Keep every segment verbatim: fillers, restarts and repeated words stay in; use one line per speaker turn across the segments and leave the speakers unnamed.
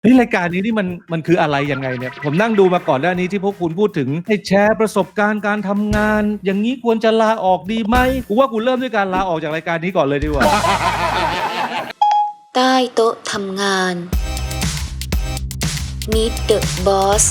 นี่รายการนี้นี่มันมันคืออะไรยังไงเนี่ยผมนั่งดูมาก่อนหน้านี้ที่พวกคุณพูดถึงให้แชร์ประสบการณ์การทำงานอย่างนี้ควรจะลาออกดีไหมกูว่ากูเริ่มด้วยการลาออกจากรายการนี้ก่อนเลยดีกว่า
ใต้โต๊ะทำงาน Meet the Boss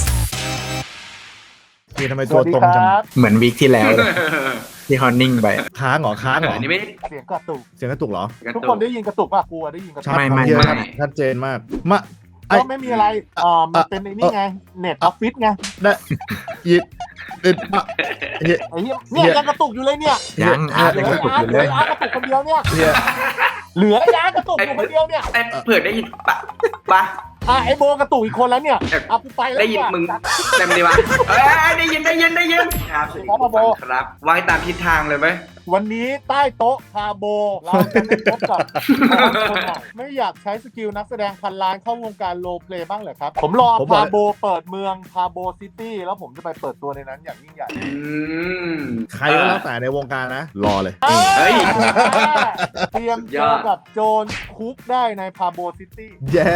พี่ทำไมตัวตรงจัง
เหมือนวีคที่แล้วเลยที่เขานิ่งไป
ค้างเหรอค้างเหรอ
อันนี้ไม่
เสียงกระตุก
เสียงกระตุกเหรอ
ทุกคนได้ยินกระตุกป่ะกูได้ยินกระตุก
ไม่ไม่ไม่ชัดเจนมากมา
ก็ไม่มีอะไรอ่ามันเป็นไอ้นี่ไงเน็ตออฟฟิศไง
ได้ยิดยิด
ไอ้เหี้ยเนี่ยยังกระตุกอยู่เลยเนี่ย
ยังอาร์ตยังกระตุกอยู่เลย
อาร์ตกระตุกคนเดียวเนี่ยเหลือไอ้อาร์ตกระตุกอยู่คนเดียวเนี่ย
ไอ้เผื่อได้ยินปะปะ
อ่ะไอ้โบกระตุกอีกคนแล้วเนี่ยเอากูไปแล้ว
ได้ยินมึงเต็มดีวะเอ้ยได้ยินได้ยินได้ยินครับสวัสดีครับวางตามทิศทางเลยไหม
วันนี้ใต้โต๊ะพาโบเราจะได้พบกับคนใหม่ไม่อยากใช้สกิลนักแสดงพันล้านเข้าวงการโรลเพลย์บ้างเหรอครับผมรอพาโบเปิดเมืองพาโบซิตี้แล้วผมจะไปเปิดตัวในนั้นอย่างยิ่งใหญ่
ใครก็แล้วแต่ในวงการนะรอเลย
เฮ้ย
เตรียมเจอกับโจรคุกได้ในพาโบซิตี้
แย่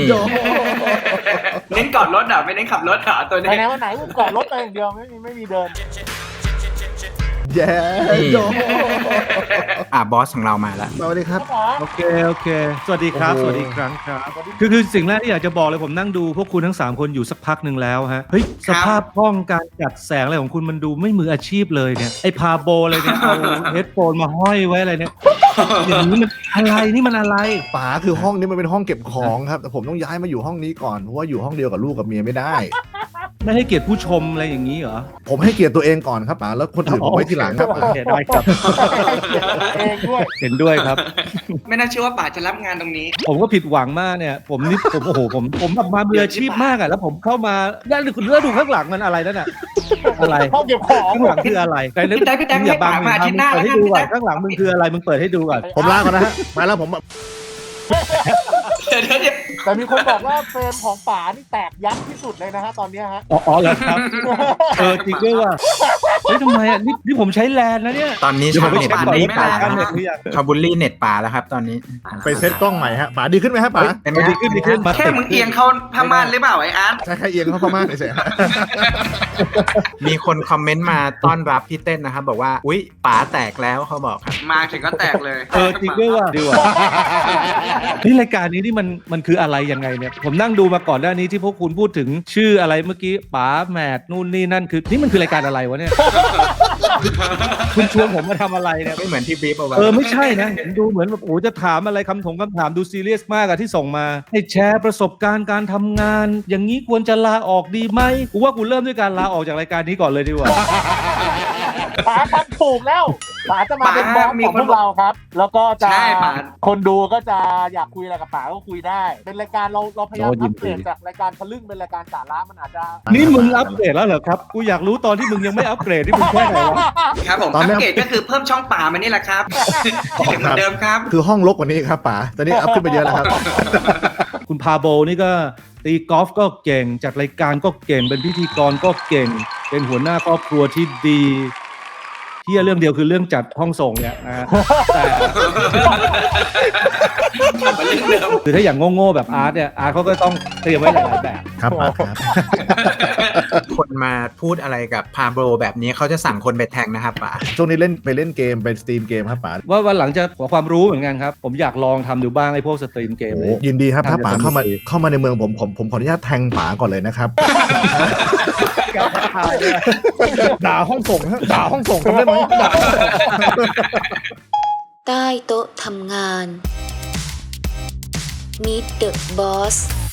เน้นกอดรถอ่ะไม่เน้นขับรถอ่ะตัวนี้
ไปไหนวันไหนกูกอดรถไปอย่างเดียวไม่มีไม่มีเดิน
แย่
อ่ะบอสของเรามาแล้ว
สวัสดีครับ
โอเคโอเคสวัสดีครับสวัสดีครั้งครับคือคือสิ่งแรกที่อยากจะบอกเลยผมนั่งดูพวกคุณทั้งสามคนอยู่สักพักหนึ่งแล้วฮะเฮ้ยสภาพห้องการจัดแสงอะไรของคุณมันดูไม่มืออาชีพเลยเนี่ยไอ้พาโบอะไรเนี่ยเอาเฮดโฟนมาห้อยไว้อะไรเนี่ยอย่างนี้มันอะไรนี่มันอะไร
ป๋าคือห้องนี้มันเป็นห้องเก็บของครับแต่ผมต้องย้ายมาอยู่ห้องนี้ก่อนเพราะว่าอยู่ห้องเดียวกับลูกกับเมียไม่ได้
ไม่ให้เกียรติผู้ชมอะไรอย่างนี้เหรอ
ผมให้เกียรติตัวเองก่อนครับป๋าแล้วคนอื่นผมไว้ทีหลังครับ
ได้ครับ
เองด้วย
เห็นด้วยครับ
ไม่น่าเชื่อว่าป๋าจะรับงานตรงนี้
ผมก็ผิดหวังมากเนี่ยผมนี่ผมโอ้โหผมผมแบบมามืออาชีพมากอ่ะแล้วผมเข้ามาแล้วดูแล้วดูข้างหลังมันอะไรนั่นน่ะอะไร
ห้องเก็บของ
ข้างหลังคืออะไรแต่นึกอย่าบังมึงทำเปิดให้ดูก่อนข้างหลังมึงคืออะไรมึงเปิดให้ดูก่อน
ผมลาก่อนนะฮะมาแล้วผม
แต่มีคนบอกว่าเฟรมของป๋านี่แตกยับที่สุดเลยนะฮะตอนนี้ฮะ
อ๋อเหรอครับเออจริงด้วยว่ะเฮ้ยทำไมอ่ะนี่นี่ผมใช้แลนนะเนี่ย
ตอนนี้ชาวเน็ตนี้ป่าชาวบุลลี่เน็ตป่าแล้วครับตอนนี้
ไปเซตกล้องใหม่ฮะป๋าดีขึ้นไหมฮะป๋า
ดีขึ้นดีขึ้น
แค่มึงเอียงเข้าพม่านหรือเปล่าไอ้อาร์ต
ใช่แค่เอียงเข้าพม่านเฉย
ๆมีคนคอมเมนต์มาต้อนรับพี่เต้นนะครับบอกว่าอุ๊ยป๋าแตกแล้วเขาบอกครับ
มาถึงก็แตกเลย
เออจริงด้วยว่ะดีว่ะนี่รายการนี้นี่มันมันคืออะไรยังไงเนี่ยผมนั่งดูมาก่อนหน้านี้ที่พวกคุณพูดถึงชื่ออะไรเมื่อกี้ป๋าแมทนู่นนี่นั่นคือนี่มันคือรายการอะไรวะเนี่ยคุณชวนผมมาทำอะไรเนี่ย
ไม่เหมือนที่บีบเอาไว้
เออไม่ใช่นะดูเหมือนแบบโอ้จะถามอะไรคำถงคำถามดูซีเรียสมากอะที่ส่งมาให้แชร์ประสบการณ์การทำงานอย่างนี้ควรจะลาออกดีไหมกูว่ากูเริ่มด้วยการลาออกจากรายการนี้ก่อนเลยดีกว่า
ป๋าทำถูกแล้วป๋าจะมาเป็นบอสของพวกเราครับแล้วก็จะคนดูก็จะอยากคุยอะไรกับป๋าก็คุยได้เป็นรายการเราเราพยายามอัปเกรดจากรายการทะลึ่งเป็นรายการสาระมันอาจจะ
นี่มึงอัปเกรดแล้วเหรอครับกูอยากรู้ตอนที่มึงยังไม่อัปเกรดที่มึงแค่ไหนวะ
ครับผมอัปเกรดก็คือเพิ่มช่องป๋ามานี่แหละครับเหมือนเดิมครับ
คือห้องรกกว่านี้ครับป๋าตอนนี้อัพขึ้นไปเยอะแล้วครับ
คุณพาโบนี่ก็ตีกอล์ฟก็เก่งจัดรายการก็เก่งเป็นพิธีกรก็เก่งเป็นหัวหน้าครอบครัวที่ดีที่เรื่องเดียวคือเรื่องจัดห้องส่งเนี่ยนะแต่คือถ้าอย่างโง่ๆแบบอาร์ตเนี่ยอาร์ตเขาก็ต้องเตรียมไว้หลายแบบ
ครับครับ
คนมาพูดอะไรกับพาโบแบบนี้เขาจะสั่งคนไปแทงนะครับป๋า
ช่วงนี้เล่นไปเล่นเกมไปสตรีมเกมครับป๋า
ว่าวันหลังจะขอความรู้เหมือนกันครับผมอยากลองทำดูบ้างไอ้พวกสตรีมเกมเลย
ยินดีครับถ้าป๋าเข้ามาเข้ามาในเมืองผมผมผมขออนุญาตแทงป๋าก่อนเลยนะครับด่าห้องส่งด่าห้องส่งทำได้ไหม
ใต้โต๊ะทำงาน Meet the Boss